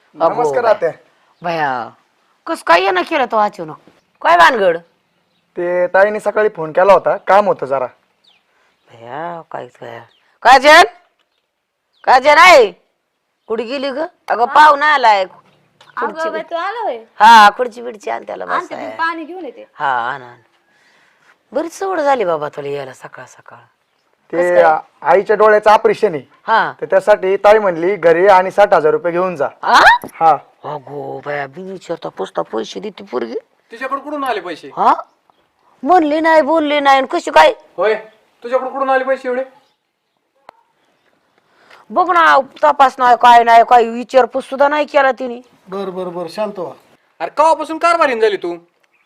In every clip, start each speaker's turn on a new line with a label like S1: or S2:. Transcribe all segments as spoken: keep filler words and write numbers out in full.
S1: नमस्कार आत्या.
S2: भया कस काय येणं केलं तो अचानक काय भानगड
S1: ते ताईने सकाळी फोन केला होता, काम होतं जरा.
S2: भया काहीच काय काजल काजल आहे कुठे गेली ग अगं पाहुणा आलाय
S3: अगं बाई, तू आला होय.
S2: हा खुर्ची बिडची आण त्याला
S3: आणते
S2: बसाय
S3: मी पाणी घेऊन येते.
S2: हा आण आण बरीच सवड झाली बाबा तुला यायला सकाळ सकाळ
S1: ते आईच्या डोळ्याचं ऑपरेशन आहे,
S2: हा
S1: तर त्यासाठी ताई म्हणली घरी आणि साठ हजार रुपये घेऊन जा.
S2: आ?
S1: हा
S2: अगो बया बिन विचारता पुसता पैसे देते पोरगी
S4: तिच्याकडे कुठून आले पैसे?
S2: हा म्हणली नाही बोलली नाही आणि कशी काय
S4: होय, तुझ्याकडे कुठून आले पैसे एवढे?
S2: बघ ना तपास नाही काय नाही काही विचारपूस सुद्धा नाही केला तिने
S5: बर बर बर शांत व्हा.
S4: अरे केव्हापासून कारभारीन झाली तू?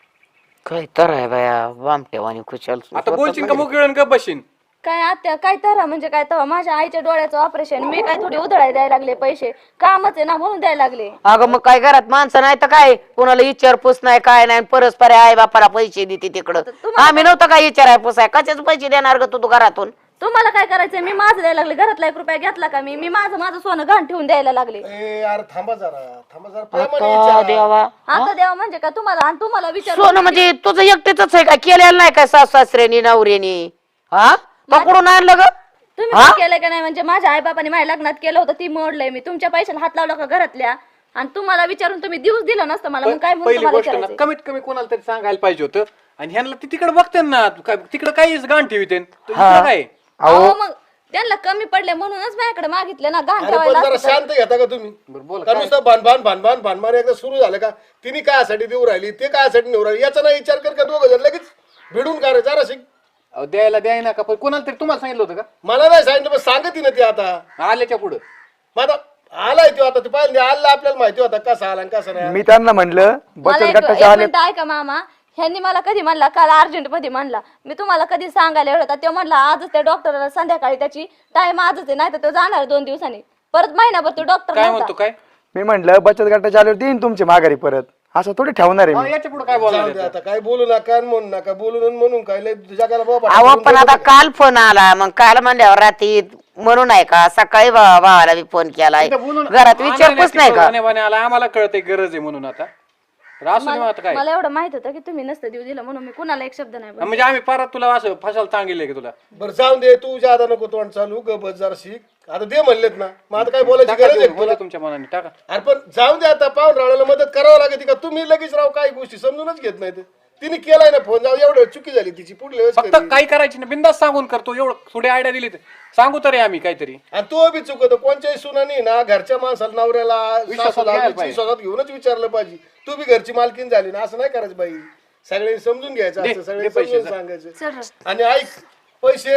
S2: काय तर आहे बाया वामटेवानी कुचल
S4: आता बोलशील का मोकळी गप बसशील?
S3: काय आत्या काय तर म्हणजे काय तेव्हा माझ्या आईच्या डोळ्याचं ऑपरेशन मी काय थोडी उधळाय द्यायला लागले पैसे कामच आहे ना म्हणून द्यायला लागले.
S2: अगं मग काय घरात माणसं नाही तर काय कोणाला विचारपूस नाही काय नाही परस्पर आई बापाला पैसे देते तिकडं आम्ही नव्हतं काय विचाराय पुसाय कशाच पैसे देणार ग तू तू घरातून
S3: तुम्हाला काय करायचंय मी माझं द्यायला लागले घरातला एक रुपया घेतला का मी मी माझं माझं सोनं घाण ठेवून द्यायला लागले.
S5: ए यार थांबा जरा थांबा जरा प्रेमाने
S2: आता
S5: विचारा.
S2: देवा
S3: आता द्यावं म्हणजे काय तुम्हाला आणि तुम्हाला विचार
S2: सोनं म्हणजे तुझं एकटेच आहे का केलेलं नाही काय सासू सासऱ्यानी नवऱ्यानी हा पकडून आणलं ग
S3: तुम्ही काय केलं का नाही म्हणजे माझ्या आई बापाने माझ्या लग्नात केलं होतं ती मोडलंय मी तुमच्या पैशाला हात लावला का घरातल्या आणि तुम्हाला विचारून तुम्ही दिवस दिलं नसतं मला मग काय म्हणून
S4: पहिली
S3: तुम्हाला
S4: गोष्ट ना
S3: विचारायचंय?
S4: कमीत कमी कोणाला तरी सांगायला पाहिजे होतं. आणि ह्यांना ती तिकडे बघते ना तिकडे काहीच गाण ठेवते काय.
S3: अहो मग त्यांना कमी पडले म्हणूनच माझ्याकडे मागितले ना घाण
S5: अरे पण
S3: ठेवायला
S5: जरा
S3: असतं तर.
S5: शांत घेता का तुम्ही?
S4: बोल
S5: का नुसतं भानभान भानभान भानभान एकदा सुरू झालं का तिने कायसाठी देऊ राहिली ते कायसाठी नेऊ राहिली याचा नाही विचार कर का दोघं जण लगेच भिडून का रे जरा शिक.
S4: अहो, द्यायला द्याय ना का पण कोणाला तरी तुम्हाला सांगितलं होतं
S5: मला नाही सांगितलं पण सांगत ना ते आता
S4: का आल्याच्या पुढं?
S5: मग आता आलाय तो आता ते पाहिजे आला आपल्याला माहिती होता कसा आला आणि कसा नाही आला.
S1: मी त्यांना म्हणलं
S3: मला
S1: बचत
S3: एक
S1: गटाचे
S3: एक
S1: आले.
S3: मिनिट ऐका मामा ह्यांनी मला कधी म्हणला काल अर्जंट मध्ये म्हणला मी तुम्हाला कधी सांगायला एवढं होता ते म्हणला आजच त्या डॉक्टरला संध्याकाळी त्याची टाइम आजच आहे नाही तर तो जाणार दोन दिवसांनी परत महिनाभर तो डॉक्टर
S4: काय म्हणतो काय?
S1: मी म्हणलं बचत गटाचे आल्यावर देईन तुमची माघारी परत, असं थोडी ठेवणार आहे
S4: अहो,
S1: मी.
S4: याच्या पुढे काय
S5: जाऊ दे
S4: बोलायचं?
S5: आता काय बोलू नका आणि म्हणू नका बोलून म्हणून काय लय जगाला बाबा
S2: अहो पण आता काल फोन आला मग काल म्हणल्यावर रात्री म्हणून आहे का सकाळी भा- भावाला बी फोन केलाय
S4: इथं बोलून
S2: घरात विचारपूस नाही का
S4: आणायला आला आम्हाला कळतंय गरज आहे म्हणून आता तर असू दे मग आता काय.
S3: मला एवढं माहित होतं की तुम्ही नसतं देऊ दिलं म्हणून मी कुणाला एक शब्द नाही बोलले.
S4: म्हणजे आम्ही परत तुला असं फसायला सांगितलंय की तुला
S5: बरं जाऊन दे तू जादा नको तोंड चालू ग बस जरा शिक आता दे म्हणलेत ना मग आता काय बोलायची
S4: टाका
S5: गरज आहे
S4: देऊन,
S5: का तुला?
S4: बोला तुमच्या मनाने टाका.
S5: अरे पण जाऊन दे आता पाहून राहण्याला मदत करावं लागते का तुम्ही लगेच राव काही गोष्टी समजूनच घेत नाही तिने केलाय ना फोन जाऊ एवढं चुकी झाली तिची पुढल्या वेळेस
S4: फक्त
S5: करेल.
S4: काही करायची ना बिंदास सांगून करतो एवढं थोडी आयडिया दिली तर सांगू तरी आम्ही काहीतरी.
S5: आणि तो बी चुकतो कोणत्याही सुनानी ना घरच्या माणसाला नवऱ्याला
S4: विश्वासात
S5: सासूला
S4: घ्यायला पाहिजे.
S5: विश्वासात घेऊनच विचारलं पाहिजे तू बी घरची मालकीन झाली ना असं नाही करायचं बाई सगळ्यांनी समजून घ्यायचं
S4: दे,
S5: असतं
S4: दे
S5: सगळ्यांनी
S4: पैसे,
S5: समजून
S4: जा.
S5: सांगायचं
S3: चल रे.
S5: आणि ऐक पैसे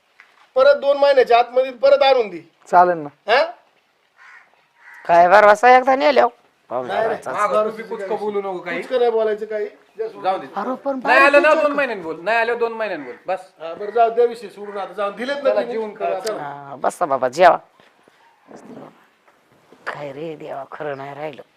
S5: परत दोन महिन्याच्या आतमध्ये परत आणून दे
S1: चालेल ना.
S5: हा
S2: काय बरवासा एकदा नेल्या
S4: मागं तू बी कुचकं बोलू नको काही.
S5: कुचकं नाही बोलायचं काही
S4: जाऊ दे.
S2: अरे पण
S4: नाही आलं ना दोन महिन्यांनी बोल नाही आलं दोन महिन्यांनी बोल बस.
S5: हा, बरं जाऊ त्या विषयी सोडून आता जाऊन दिलेत ना तिने.
S4: जीवन करा.
S5: हा, चला.
S2: हा, बसा बाबा जेवा काय रे देवा खरं नाही राहिलं